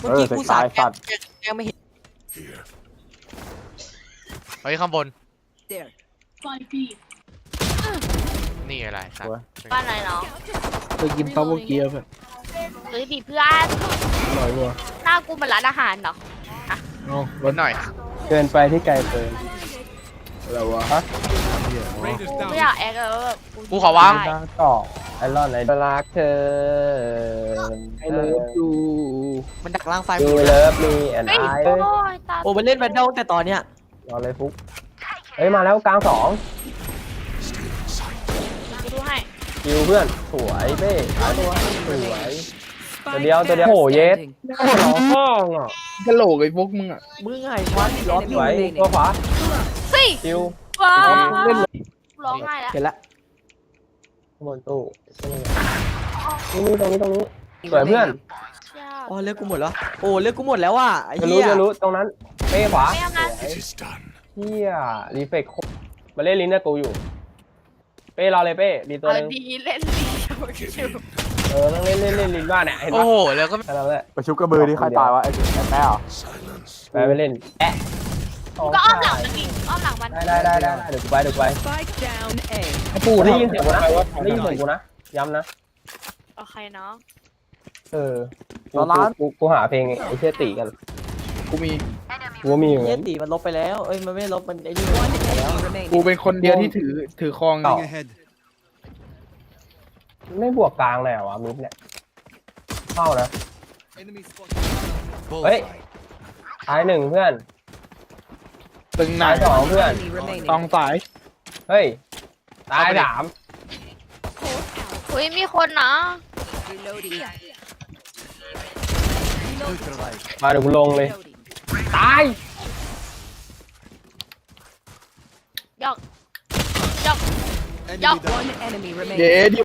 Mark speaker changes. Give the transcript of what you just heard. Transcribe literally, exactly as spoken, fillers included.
Speaker 1: มื่อกี้กูสาดแกแกไม่เห็น
Speaker 2: เฮ้ยข้างบน
Speaker 1: There
Speaker 2: นี่อะไรสัตว์
Speaker 3: บ้านไหนเนาะ
Speaker 4: เคยกินเต้าหู้เกี๊ยวเพื่อน
Speaker 3: เฮ้ยดิเพื่อน
Speaker 4: อร่อยว่ะ
Speaker 3: หน้ากูเหมือนร้านอาหารเนาะ
Speaker 4: เอา
Speaker 2: รถหน่อย
Speaker 5: เกินไปที่ไกลเกิน
Speaker 4: อะไรวะ
Speaker 5: ฮะ
Speaker 4: เหี้ยอ๋อ
Speaker 3: กูไม่อยากแอคแล้วแบบ
Speaker 2: กูขอวาง
Speaker 3: ได้
Speaker 5: ตั้งต่อไอรอนไอรักเธอ
Speaker 4: ไอเลิฟยู
Speaker 1: มันดักล่างไฟ
Speaker 5: ดูเลิฟมีแอนไอ
Speaker 3: เฮ้ยโอ้ยตา
Speaker 1: โอ้มันเล่นแบนเดิลแต่ตอนเนี้ย
Speaker 5: รอเลยฟุกเฮ้ยมาแล้วกลางสอง
Speaker 3: กูดูให้
Speaker 5: คิวเพื่อนสวยเป้หายตัวสวยตัวเดียวตัวเดียวโหเยสโอ้โหห้องอ่ะ
Speaker 4: กะโหลกไอ้พวกมึงอ่ะ
Speaker 1: มึงไงวัดล้อ
Speaker 5: สวยตัวขวา
Speaker 3: เฮ้ย
Speaker 5: คิว
Speaker 3: ว้า
Speaker 4: เล่นเลย
Speaker 3: ร้องไห้แล้ว
Speaker 1: เห็นละ
Speaker 5: ข้างบนตู้นี่นี่ตรงนี้ตรงนี้สวยเพื่อน
Speaker 1: อ๋อเลือกกูหมดแล้วโอ้เลือกกูหมดแล้วว่ะไอ้
Speaker 5: จะ
Speaker 1: เหี้
Speaker 5: รู้
Speaker 1: ย
Speaker 5: จะรู้ตรงนั้นเป้ขวา
Speaker 3: ไม่เอานะ
Speaker 5: สวยเฮียรีเฟกมาเล่นลิ้นนะกูอยู่ เป้รอเลยเป้ดีตัว
Speaker 3: เอา
Speaker 5: นึง
Speaker 3: ดีเล่นดีชิว
Speaker 5: เออต้องเล่นเล่นเล่นลิ้นบ้านเนี่ยเห็น
Speaker 2: โอ้
Speaker 5: ปะ
Speaker 2: โหแล้วก็
Speaker 5: แค่นั้นแหละ
Speaker 6: ไปชุบกระบือที่ใครตายวะไอ้ไอ้แม่เหรอ
Speaker 5: ไปไปเล่นแอะ
Speaker 3: ๆก็อ้อมหลังมันดิอ้อมหลังมัน
Speaker 5: ได้ได้ได้ได้เดี๋ยวกูไปเดี๋ยวกูไป
Speaker 7: Spike down A.
Speaker 5: ให้ปูได้ยินเสียงกูนะได้ยินเสียงกูนะย้ำนะ
Speaker 3: โอเคเนาะ
Speaker 5: เออกูกูกูหาเพลงไอ้เชี่ยตีกัน
Speaker 4: กูมี
Speaker 5: กูมีอยู่
Speaker 1: เหี้
Speaker 5: งั้
Speaker 1: ย
Speaker 5: น
Speaker 1: ตีมันลบไปแล้วเอ้ยมันไม่ลบมันไอ้นี่มันไปแล้ว
Speaker 4: กูเป็นคนเดียวที่ถือถือครอง
Speaker 5: ต่อไม่บวกกลางเลยเหรอวะมิดเนี่ยเข้านะเฮ้ยท้ายหนึ่งเพื่อน
Speaker 4: ตึงไหน
Speaker 5: ท้ายสองเพื่อน
Speaker 7: Enemy remaining.
Speaker 4: ตองสาย
Speaker 5: เฮ้ยตายสาม
Speaker 3: อุ้ยมีคนนะ
Speaker 7: Reloading.
Speaker 5: มาเดี๋ยวกูลงเลย ตาย
Speaker 3: หยอกหยอกหยอก
Speaker 7: One enemy
Speaker 4: เย้
Speaker 7: remaining.
Speaker 4: ที่